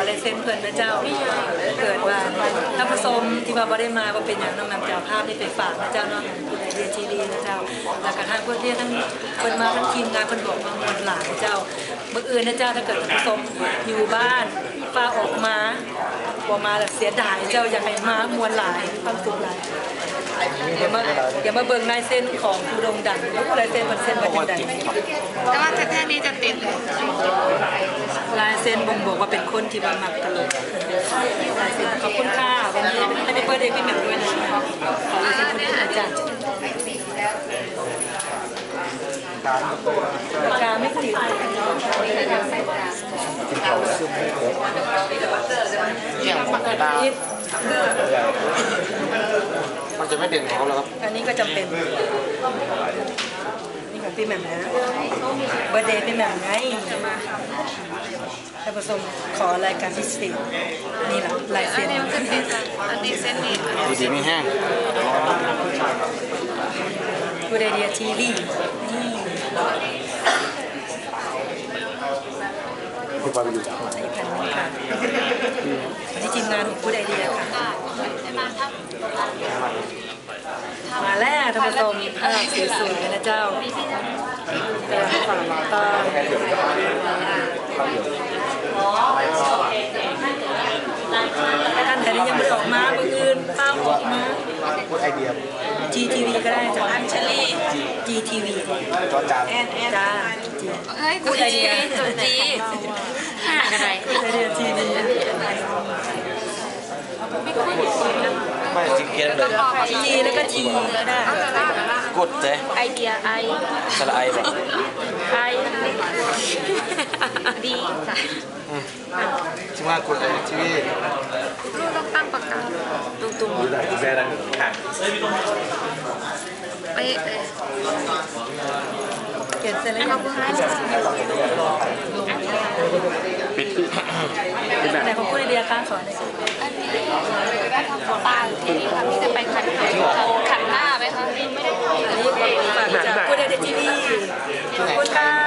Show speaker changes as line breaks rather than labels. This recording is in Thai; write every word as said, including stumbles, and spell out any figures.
ลายเซ็นเพื่อนนะเจ้าเกิดว่าถ้าผสมที่ว่าบ่ได้มาว่าเป็นอย่างน้องนำเจ้าภาพที่ไปฝากนะเจ้าเนาะเรียนทีดีนะเจ้าแล้วก็ทางเพื่อนที่ทั้งเพื่อนมาทั้งทีมงานเพื่อนบอกมาหมดหลายเจ้าเมื่ออื่นนะเจ้าถ้าเกิดผสมอยู่บ้านฟ้าออกมาพอมาแบบเสียดายเจ้าอยากให้มามวลหลายความสุขหลายอย่ามาอย่ามาเบิ่งลายเส้นของผู้โด่งดังแล้วลายเส้นมันเส้นมันยังไง
แต่ว่าแท่นี้จะติด
ลายเส้นบ่งบอกว่าเป็นคนที่มาหมักตลกลายเส้นขอบคุณค่ะวันนี้ให้พี่เปิดเองพี่แหม่มด้วยนะขอลายเส้นคุณอาจารย์ปากกาไม่ติด
เนี่ยปากกามันจะไม่เด่นของเขาแล้วครับ
อันนี้ก็จำเป็นนี่ของพี่แหม่มนะเบอร์เดย์พี่แหม่มไงท่านผู้ชมขอรายการพิเศษนี่แหละลายเส้น
อันนี้มันคือติดอันนี้เส้นนี้
ดีดีไม่แห้ง
กูไดเดียทีวีนี่
ที่ความอยู่
ใส่พันธุ์ค่ะวันนี้ทีมงานของกูไดเดียค่ะมาแล้วท่านผู้ชมภาพสวยๆนะเจ้าแต่ฝั่งตาท่านแต่นี้ยังไม่ออกมาเมื่อคืนภาพออกมา
พูดไอเดีย
จี ที วี ก็ได้จ้ะ
อัญชลี
จี ที วี
จอจาน
จ้า
เฮ้ยตัวจีตัวจีห่างอะไร
กูไดเดียทีวี
ไม่จริงเกียร์เลย
จีแล้วก็ทีก็ได้
กดเจ๊
ไอเดียไอ
สระไอแบบ
ไอดีจ้ะ
ชิมากดไอทีวี
ลูกต้องตั้งปากกาตุ้มๆ
ดูหน่อยแบรนด์ค่ะ
เป๊ะ
เขียนเสร็จแล้วก็
ปิด
แต่ของกูไดเดียค่ะขอหน่อย
อันนี้ถ้าทำโฟตาที่นี่ค่ะพี่จะไปขันขันหน้าไหมคะไม่ได้
อันนี้ฝากจากกูไดเดียทีวีขอบคุณค่ะ